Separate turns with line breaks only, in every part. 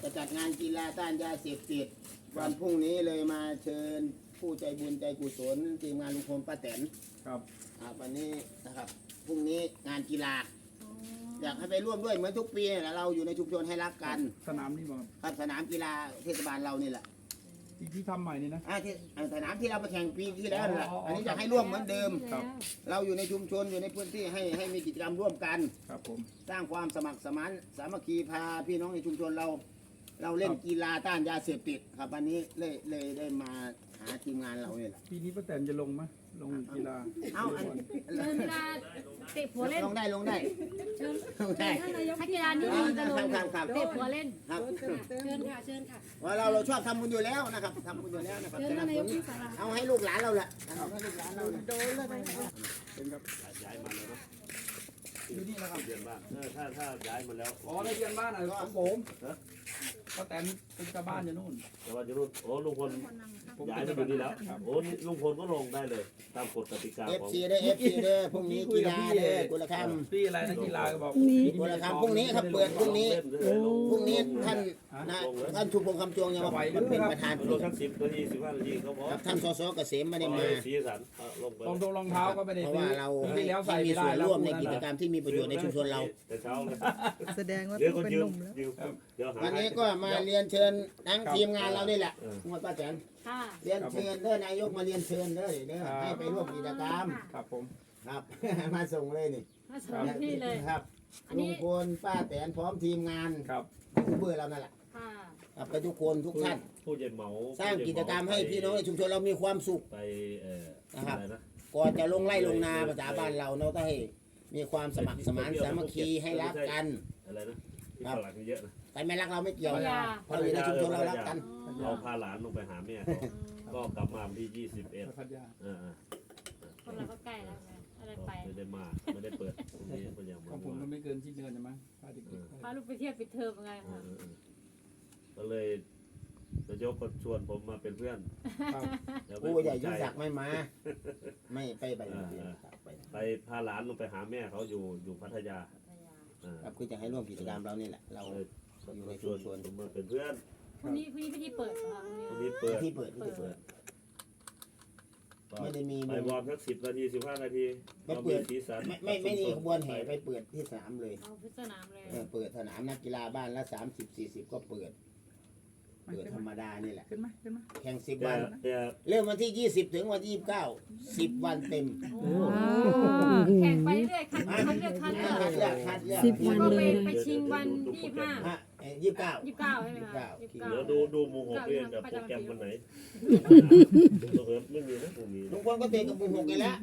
จัดงานกีฬาต้านยาเสพติดวันพรุ่งนี้เลยมาเชิญผู้ใจบุญใจกุศลทีมงานลุงพลป้าแตน
ครับ
วันนี้นะครับพรุ่งนี้งานกีฬาอยากให้ไปร่วมด้วยเหมือนทุกปีนะเราอยู่ในชุมชนให้รักกัน
สนามนี่บอก
ครับสนามกีฬาเทศบาลเรานี่แหละ
ที่ทำใหม่นี่นะ
ที่สนามที่เราไปแข่งปีที่แล้วแหละอันนี้จะให้ร่วมเหมือนเดิมเราอยู่ในชุมชนอยู่ในพื้นที่ให้มีกิจกรรมร่วมกัน
ครับผม
สร้างความสมัครสมานสามัคคีพาพี่น้องในชุมชนเราเล่นกีฬาต้านยาเสพติดครับวันนี้เลยได้มาหาทีมงานเราเนี่ยแหละ
ปีนี้ป้าแตนจะลงไหมลงกีฬา
เชิญกีฬาเตะหัวเล่น
ลงได้
เชิญ
ลงได้
ถ้ากีฬานี้จะลงเตะหัวเล่น
ครับ
เชิญค่ะ
ว่าเราชอบทำบุญอยู่แล้วนะครับทำบุญอยู่แล้วนะครับเอาให้ลูกหลานเราแหละให้ลูกหลานเราโดนเลย
เป็นครับ
ย้ายมาแล้วเนาะ
อยู่นี่นะครับ
เรียนบ้านถ้าย้ายมาแล้ว
อ๋อได้เรียนบ้านอะไรของผมป้าแตนเป็นชาวบ้านอยู่นู่น
แต่ว่าจะรุ่นโอ้ลุงพลย้ายมาอยู่นี่แล้วโอ้ลุงพลก็ลงได้เลยตามกฎกติกาของ
FC ได้ FC เด้อพรุ่งนี้กีฬาเด้อกุลคำ
พี่อะไรนะกีฬาก็บอก
กุลคำพรุ่งนี้ครับเปิดพรุ่งนี้ท่านชุมพงษ์คำจวงยังมาเป็นประธาน
ลงสัก10 นาที 15 นาทีเขาบอก
ท่านสสเกษมไม่ได้มา
สีสันลงไป
รองเท้าก็ไม่ได้
เพราะว่าเราให้มีส่วนร่วมในกิจกรรมที่มีประโยชน์ในชุมชนเรา
แต่เช้าเลย
แสดงว่า
เป็นหนุ่มแล้ว
วันนี้ก็มาเรียนเชิญทั้งทีมงานเรานี่แหละคุณป้าแตนเรียนเชิญเด้อนายกมาเรียนเชิญเด้อให้ไปร่วมกิจกรรม
ครับผม
ครับมาส่งเลยนี่
มาส่งที่เลย
ครับลุงพลป้าแตนพร้อมทีมงาน
ครับ
ผู้เบื่อเรานั่นแหละครับไปทุกคนทุกท่าน
ผู้ใหญ่เหมา
สร้างกิจกรรมให้พี่น้องในชุมชนเรามีความสุข
ไป
นะครับก่อนจะลงไร่ลงนาภาษาบ้านเราเนาะต้องให้มีความสมัครสมานสามัคคีให้รักกัน
อะไรนะครับเยอะนะ
แต่ไม่รักเราไม่เกี่ยวเราอยู่ในชุมชนเรารักกัน
เราพาหลานลงไปหาแม่ก็กลับมาที่21
คนเราก็ใกล้แล้วอะไรไป
ไม่ได้มาไม่ได้เปิดตรงนี้เป็นอย่าง
ของผมมันไม่เกินสิ้นเดือนใช่ไหม
พาลูกไปเที่ยวปิดเทอมไงคะ
ก็เลยจะยกคนชวนผมมาเป็นเพื่อน
ผู้ใหญ่ยุ่งยากไม่มาไม่ไป
พาหลานลงไปหาแม่เขาอยู่พัทยา
ครับคือจะให้ร่วมกิจกรรมเรานี่แหละเราอยู่ในชุมชน
มาเป็นเพื่อน
วันนี้พิธีเปิดค่ะ
วันนี้เปิด
ไม่ได้มี
ไปวอร์มสัก10 นาที 15 นาที
ไปเปิดไม่มีขบวนแห่ไปเปิดที่สนามเลย
สนามเลย
เปิดสนามนักกีฬาบ้านละ30-40ก็เปิดธรรมดานี่แหละแข่ง10 วันเริ่มวันที่20ถึงวันที่29 10 วันเต็ม
แข่งไปเรื่อยคัดเลือก
10 วันเลย
ไปชิงวัน
29
ใช่ไหมคะ
เดี๋ยวดูหมู่6เรียนกับโปรแกรมวันไหนไม่มีนะตรงนี้
ลุงพลก็เตะกับหมู่6กันแล้ว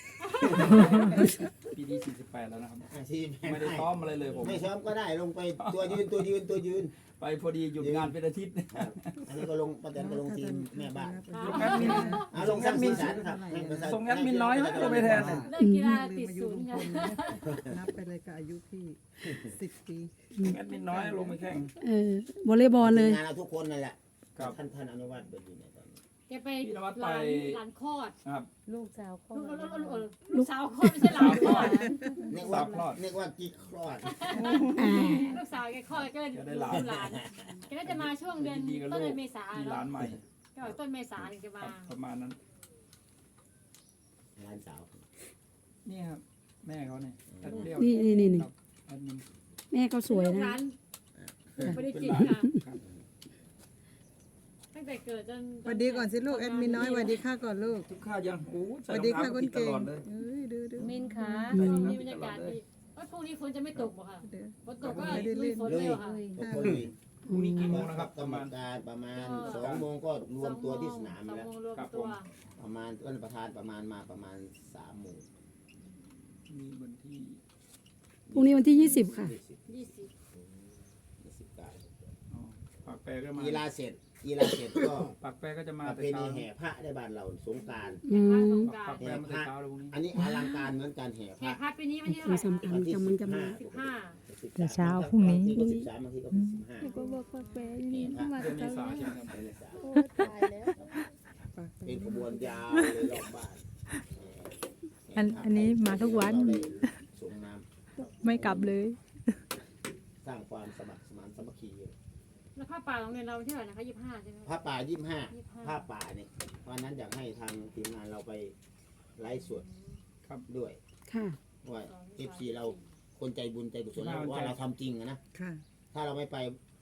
ปีนี้48แล้วนะครับไม่ได้ซ้อมอะไรเลยผม
ไม่ซ้อมก็ได้ลงไปตัวยืน
ไปพอดีหยุดงานเป็นอาทิตย์
อันนี้ก็ลงป้าแตนก็ลงทีมแม่บ้าน
ลงแอดมินส่งแอดมินน้อยก็ไปแทน
เล่นกีฬาติดศูนย์ไง
นับไปเลยกับอายุพี่10 ปี
แอดมินน้อยลงไปแข่ง
วอลเลย์บอลเลย
งานเราทุกคนนั่นแหละท่านอนุวัฒน์เป็นอยู่ในตอนนี้
แกไปหลานคลอด
ครับ
ลูกสาวคลอด
ลูกสาวคลอดไม่ใช่หลานคลอด
นึกว่ากิ๊กคลอด
ลูกสาวแกคลอดก็เลยหลานแกน่าจะมาช่วงเดือนต้นเมษา
หลานใหม่
ก็ต้นเมษาถึงจะมา
ประมาณนั้น
หลานสาว
นี่ครับแม่เขาเนี่ย
นี่แม่เขาสวยนะ
ไม่ได้จิกค่ะตั้งแต่เกิดจน
สวัสดีก่อนสิลูกแอดมินน้อยสวัสดีค่ะก่อนลูก
ทุกข้ายัง
สวัสดีค่ะคนเก่ง
ดูมินค่ะมีบรรยากาศดีพรุ่งนี้ฝนจะไม่ตกบ่ค่ะฝนตกก็ลุยฝนเลยค่ะ
พรุ่งนี้กี่โมงนะครับ
กรรมการประมาณ2 โมงก็รวมตัวที่สนามแล้วประมาณต้นประธานประมาณ3 โมง
มีวันที่
พรุ่งนี้วันที่20ค่ะ
ปากแปรก็มา
กีฬาเสร็จก็
ปากแปรก็จะมา
เป็นแห่พระในบ้านเราสงกรานต์แห่พระอันนี้อลังการเหมือนการแห่
พระปีนี้วันที่เท่าไหร่
สำคัญมันจะมา
15
เช้าพรุ่งนี้
13บางทีก็15
ก็บอกปากแปรนี่มา
เมษาใช่ไหม
โอ้ตายแล้ว
เป็นขบวนยาวเลยรอบบ้าน
อันนี้มาทุกวันไม่กลับเลย
สร้างความสมัครสมานสามัคคี
แล้วผ้าป่าโรงเรียนเราที่ไหนนะคะ25ใช่ไหม
ผ้าป่า25
25
ผ้าป่าเนี่ยวันนั้นอยากให้ทางทีมงานเราไปไลฟ์สด
ครับ
ด้วย
ค่ะ
ว่า FC เราคนใจบุญใจกุศลแล้วว่าเราทำจริงอะนะ
ค่ะ
ถ้าเราไม่ไป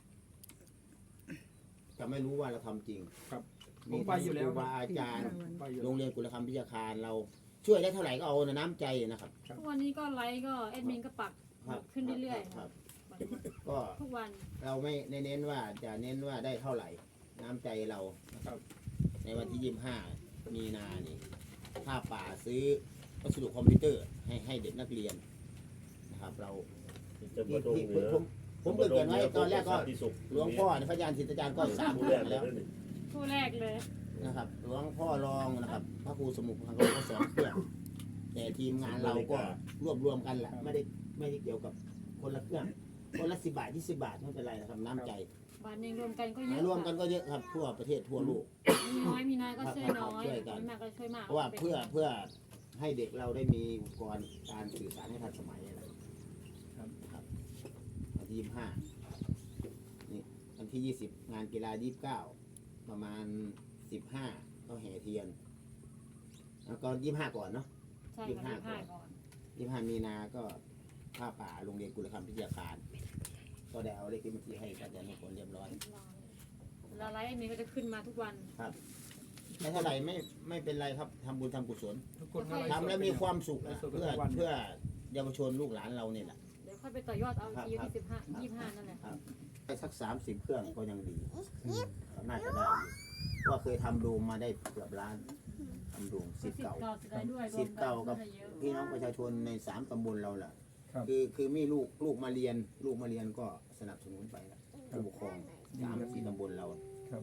จะไม่รู้ว่าเราทำจริง
ครับผมไปอยู่แล้ว
ครูบาอาจารย์
ไปอยู่
โรงเรียนกุลธรรมพิทยาคารเราช่วยได้เท่าไหร่ก็เอาน้ำใจนะครับ
ทุกวันนี้ก็ไลฟ์ก็แอดมินก็ปัก
ครับ
ขึ้นเรื่อย
ครับ
ๆ
ก็
ทุกวัน
เราไม่ได้เน้นว่าจะเน้นว่าได้เท่าไหร่ น้ำใจเรานะครับ ในวันที่25มีนานี่ผ้าป่าซื้อวัสดุคอมพิวเตอร์ให้เด็กนักเรียนนะครับ เรา
จะมาตรงเหนือ
ผมเกิดไว้ตอนแรกก็หลวงพ่อพระยานศิษย์อาจารย์ก็สาม
ผู้
เค
แร
รื่อง
กเล
แล้ว
ยนี่
คู่แรกเลย
นะครับหลวงพ่อรองนะครับพระครูสมุขของเราก็2เครื่องแต่ทีมงานเราก็รวมกันแหละไม่ได้เกี่ยวกับคนละเครื่องคนละ10 บาท20 บาทไม่เป็นไรนะครับน้ำใจ
บ้านเองรวมกันก็เยอะ
รวมกันก็เยอะครับทั่วประเทศทั่วโลก
มีน้อยก็ช่วยน้อย
ช่วยกัน
มีมากก็ช่วยมาก
เพราะว่าเพื่อให้เด็กเราได้มีอุปกรณ์การสื่อสารให้ทันสมัยนะครับวันที่25นี่วันที่20งานกีฬา29ประมาณ15ก็แห่เทียนแล้วก็25ก่อนเนาะ
ใช่ค่ะ25ก่อน
25มีนาก็ผ้าป่าโรงเรียนกุลธรรมพิทยาคารก็ได้เอาเลขที่บัญชีให้อาจารย์มงคลเรียบร้อย
แล้วไลฟ์แอดมินก็จะขึ้นมาทุกวัน
ครับไม่เท่าไหร่ไม่เป็นไรครับทำบุญทำกุศล
ทุกคนก็ไฟ์สด
ทำแล้วมีความสุข
ไล
นะ
ฟ์สด
เพื่อ
ทุกวัน
เพื่อเยาวชนลูกหลานเราเนี่ยแหละ
เดี๋ยวค่อยไปต่อยอดเอาทีที่25นั่นแหละ
ไปสัก30 เครื่องก็ยังดีน่าจะได้อยู่ว่าเคยทำโดมมาได้เกือบล้านทำโดมสิทธิ์เก่า
สิทธิ์เก่าด้วย
สิทธิ์เก่ากับ
รวมนเยอะ
พี่น้องประชาชนใน3 ตำบลเราแหละ
ครับ
คือมีลูกมาเรียนก็สนับสนุนไปแล้วผู้ปกครอง3-4 ตำบลเรา
ครับ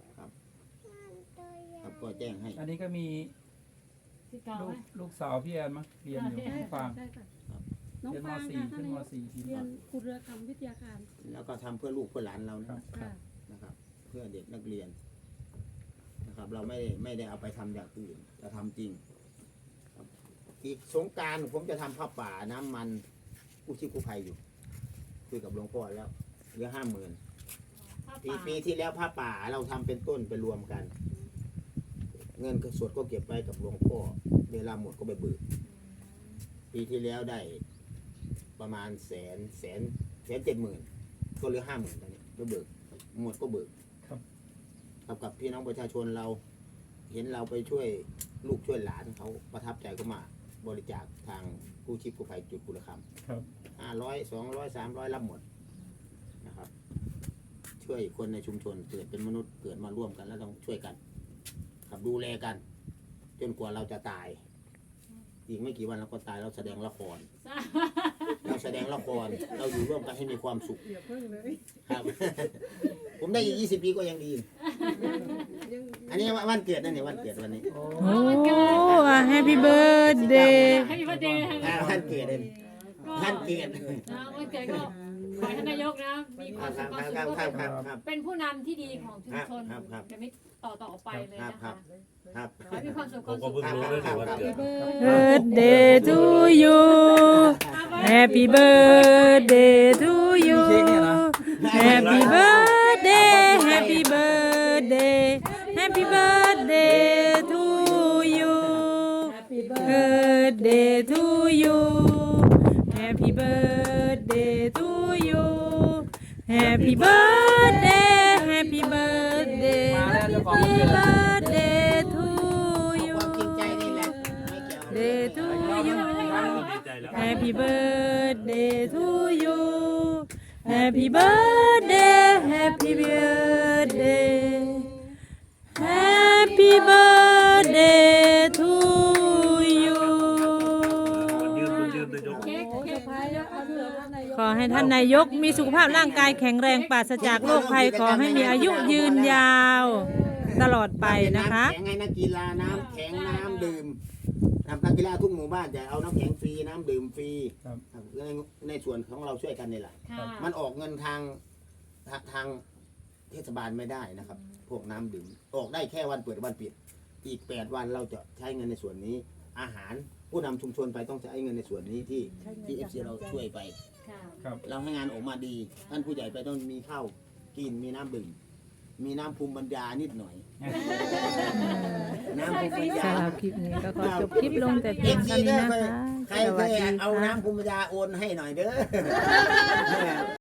ครับก็แจ้งให้
อันนี้ก็มี
สิทธิ์เก่าไหม
ลูกสาวพี่แอนมั้งเรียนอยู่ฟัง
ได้ค่ะน้อง
เรียนม
ฟาง
.4
ค่ะ
ขึ้นม .4 ที
เรียนกุลธรรมวิทยาการ
แล้วก็ทำเพื่อลูกเพื่อหลานเรา
ครั
นะ
บครั
ค่ะ
บ
นะครับ เพื่อเด็กนักเรียนนะครับ เราไม่ได้เอาไปทำอย่างอื่นจะทำจริงครับอีกสงกรารผมจะทำผ้าป่าน้ำมันกู้ชีพกู้ภัยอยู่คุยกับหลวงพ่อแล้วเหลือ50,000
ผ้า
ปี
ป่า
ปีที่แล้วผ้าป่าเราทำเป็นต้นไปรวมกัน เงินสดก็เก็บไว้กับหลวงพ่อเวลาหมดก็ไปเบิกปีที่แล้วได้ประมาณ170,000ก็เหลือ50,000ตอนนี้ไปเบิกหมดก็เบิก
ครับ
กับพี่น้องประชาชนเรา เห็นเราไปช่วยลูกช่วยหลานเขาประทับใจก็มาบริจาคทางกู้ชีพกู้ภัยจุดกุลค
ครับ
ำ500 200 300รับหมดนะครับ ช่วยคนในชุมชนเกิดเป็นมนุษย์เกิดมาร่วมกันแล้วต้องช่วยกันครับดูแลกัน จนกว่าเราจะตาย อีกไม่กี่วันเราก็ตายเราแสดงละคร เราแสดงละครเราอยู่ร่วมกันให้มีความสุข
อย่าเพิ่งเลย
ครับ ผมได้อีก20 ปีก็ยังดี อันนี้วันเกิดนั่นเนี่ยวันเกิดวันนี้
โอ้
โอ้แฮปปี้เบิร์ดเดย์
ให้มีประเด็น
วันเกิดเลยวันเกิด
นะวันเกิดก็ขอให้ท่านนายกนะ มีความสุขความสุขก็
ครับ
เป็นผู้นำที่ดีของชุมชน
ครับ
จะไม่ต่อไปเลยนะคะ
ครับ
ขอให้มีความสุข
ผมก็เพิ่งรู้เลยถึงวันเกิด
birthday to you Happy birthday to you Happy birthday Happy birthday Happy birthday to you Happy birthday to you Happy birthday to you Happy birthday Happy birthday
มาแล้วเจ้าของ
Happy
วันเกิด
birthday to
ความ
you
จริงใจนี่แหละไม่เกี่ยว
Day to you
ดีใจแล้ว
Happy birthday to you Happy birthday Happy birthday Happy birthday to you
มันยืนนายก
เค้กเค้ก
ขอให้ท่านนายกมีสุขภาพร่างกายแข็งแรงปราศจากโรคภัยขอให้มีอายุยืนยาวตลอดไปนะคะ
แข็งให้นักกีฬาน้ำแข็งน้ำดื่มนักกีฬาทุกหมู่บ้านจะเอาน้ำแข็งฟรีน้ำดื่มฟรี
ครับ
ในส่วนของเราช่วยกันนี่แหละ
ค่ะ
มันออกเงินทางเทศบาลไม่ได้นะครับ พวกน้ำดื่มออกได้แค่วันเปิดวันปิด อีก8 วันเราจะใช้เงินในส่วนนี้ อาหารผู้นำชุมชนไปต้องใช้เงินในส่วนนี้ที่ FC เราช่วยไป
ค่ะ
ครับ
เราให้งานออกมาดี ท่านผู้ใหญ่ไปต้องมีข้าวกินมีน้ำดื่มมีน้ำภูมิปัญญานิดหน่อยน้ำภูมิปัญญา
สำหรับคลิปนี้ก็ขอจบคลิปลงแต่เพียงเท่านี้นะคะ
ใคร
ส
เค
วัส
ย
ดี
เอา
ค่ะ
น้ำภูมิปัญญาโอนให้หน่อยเด้อ